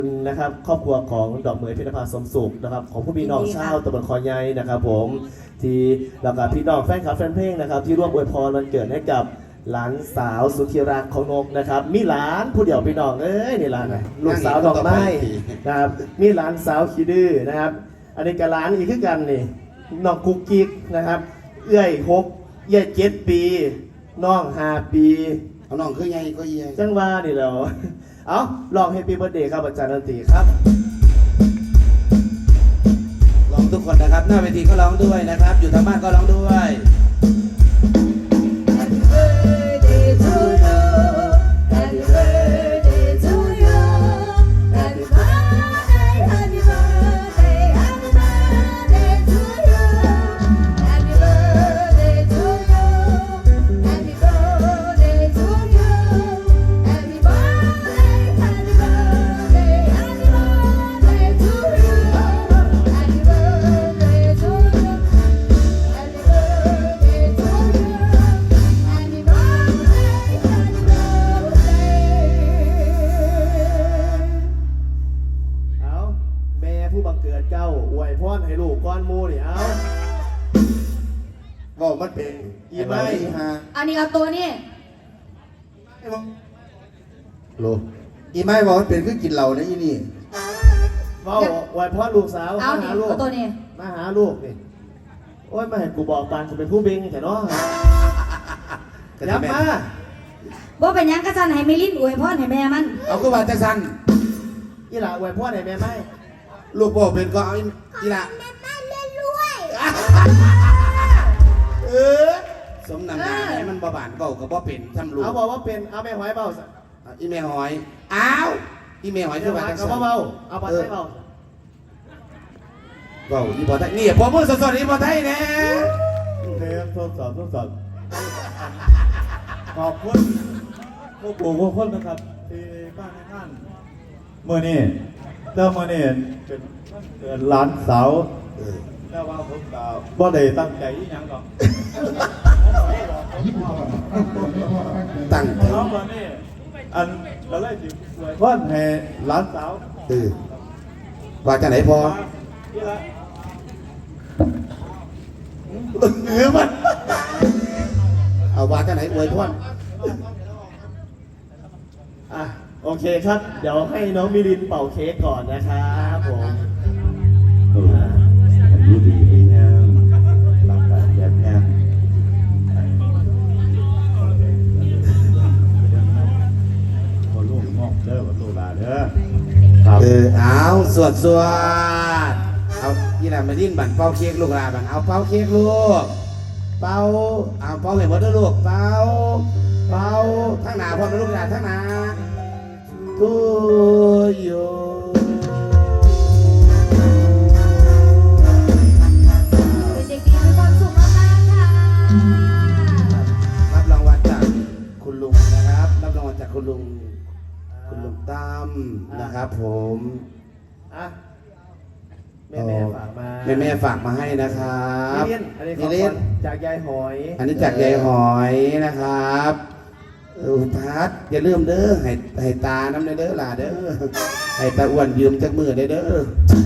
นะครับครอบครัวของดอกเหมยพิรภาสมสุขนะครับของผู้พี่น้องชาวตำบลคอใหญ่นะครับผมที่แล้วก็พี่น้องแฟนคลับแฟนเพลงนะครับที่ร่วมอวยพรวันเกิดให้กับหลานสาวสุธิรักของนกนะครับมีหลานผู้เดียวพี่น้องนี่หลานนะลูกสาวดอกไม้นะครับมีหลานสาวขี้ดื้อนะครับอันนี้กับหลานอีกคือกันนี่น้องกุ๊กกิ๊กนะครับเอื้อย6เอื้อย7 ปีน้อง5 ปีเอาน้องคือไงก็ยี่จังว่านี่แล้วเอาลอง Happy Birthday ครับอาจารย์ดนตรีครับร้องทุกคนนะครับหน้าเวทีก็ร้องด้วยนะครับอยู่ทางบ้านก็ร้องด้วย Happy birthday to you Happy birthday to you Happy birthday Happy birthday Happy birthday to you Happy birthday to you Happy birthday to you Happy birthday Happy birthday Happy birthday to you Happy birthday to you Happy birthday to you Happy birthday เอาแม่ผู้บังเกิดเจ้าอวยพรให้ลูกก้อนมูนี่เอาบอกมันเป็นอีไม้ฮะอันนี้เอาตัวนี่โลอีไม้บอกมันเป็นคือกินเหล้านะอีนี่เฝ้าอวยพรลูกสาวเอามานี่หาลูกเอาตัวนี่มาหาลูกนี่โอ้ยมาเห็นกูบอกปานกูเป็นผู้เบงแต่เนาะย้ำมาบ่เป็นหยังกระสันให้มิลินอวยพรให้แม่มันเอาก็ว่าจะสั่นอีหล่าอวยพรให้แม่ไหมลูกบอกเป็นก็เอาอีละแม่มันเล่นรวยเออสมนำหน้าเนี่ยมันบ่บานเบากับบ่เป็นทำลูกเอาบอกว่าเป็นเอาแม่หอยเบาสิอีแม่หอยอ้าวอีแม่หอยแม่คือหอว่าย จะกับสั่นเบาเอาปัดให้เบาเบาอีบ่ไทยนี่พอมือสดๆอีบ่ไทยแน่เทปทดสอบขอบคุณผู้ปลูกผู้คนนะครับที่บ้านในท่านเมื่อนี้เจ้าเมื่อนี้เป็นวันเกิดหลานสาวแต่ว่าผมก็บ่ได้ตั้งใจอีหยังหรอกตั้งใจน้องวันนี้อันก็เลยจิสวยพรให้หลานสาวว่าจะไหนพอที่ละมันเอาว่าจะไหนอวยพรอ่ะโอเคครับ เดี๋ยวให้น้องมิลินเป่าเค้กก่อนนะครับผมอายุดีดีงามหลักการแบบงามพอลูกงอกเด้อพอลูกลาเด้อครับเอาสวดเอาอีหลานมาดิ้นบั่นเป่าเค้กลูกหลานบั่นเอาเป่าเค้กลูกเป่าเอาเป่าให้หมดเด้อลูกเป่าทั้งหน้าพร้อมนะลูกหลานทั้งหน้าทูโยเป็นเด็กดีมีความสุขมากๆค่ะรับรางวัลจากคุณลุงนะครับรับรางวัลจากคุณลุงตั้มนะครับผมอ่ะแม่ฝากมาแม่ฝากมาให้นะครับมิลินอันนี้ขมิองลิขวัน ญจากยายหอยอันนี้จากยายหอยนะครับพัดอย่าลืมเด้อให้ตาน้ำเด้อล่ะเด้อให้ตาอ้วนยืมจากมือเด้อ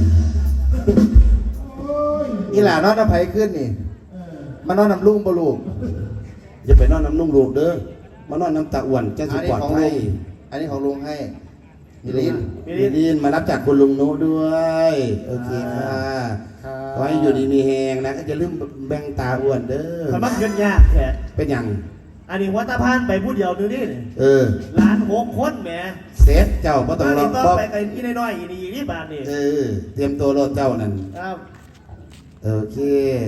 นี่ล่ะนอนน้ำไผ่ขึ้นนี่มานอนน้ำลุงบ่ลูกอย่าไปนอนน้ำลุงลูกเด้อมานอนน้ำตาอ้วนจะสุดปลอดภัยอันนี้ของลุงให้มิลินมิลินมารับจากคุณลุงโน้ด้วยโอเคค่ะขอให้อยู่ดีมีแหงนะก็จะลืมแบ่งตาอ้วนเด้อมันเงินยากแค่เป็นอย่างอันนี้วัดตะพานไปพูดเดียวดูนี่ ร้าน6 คนแหมเซตเจ้าก็ต้องรอต้บองไปกันที่น้อยๆอีนี่บาทนี่เตรียมตัวรถเจ้านั่นครับโอเค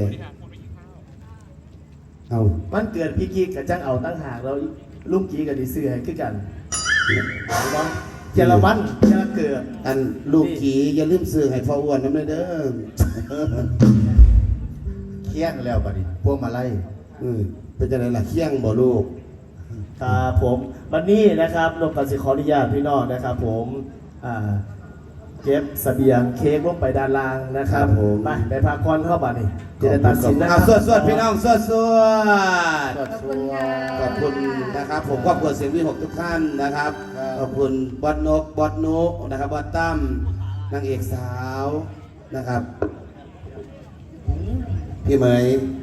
เอามันเกิดพี่กิ๊กกับจ้างเอาตั้งหากเราลุงกี้กับดีเสือให้ขึ้นกันเจรวันเจรเกิดอันลูกขี่อย่าลืมซื้อให้พ่ออ้วนน้ำเลยเด้อเคี่ยงแล้วบัดนี้พวกมาไล่เป็นจะไหนล่ะเคี่ยงบ่ลูกครับผมวันนี้นะครับนกกสิขออนุญาตพี่น้องนะครับผมเก็บเสบียงเค้กลงไปด้านล่างนะครับครับผมไปพากรเข้าบ้านนี่จะได้ตัดสินนะคเอารับสวดพี่น้องสวดขอบคุณค่ะขอบคุณนะครับผมครอบครัวเสียงวิหกทุกท่านนะครับขอบคุณบอสนกบอสนุนะครับบอสตั้มนางเอกสาวนะครับพี่เหมย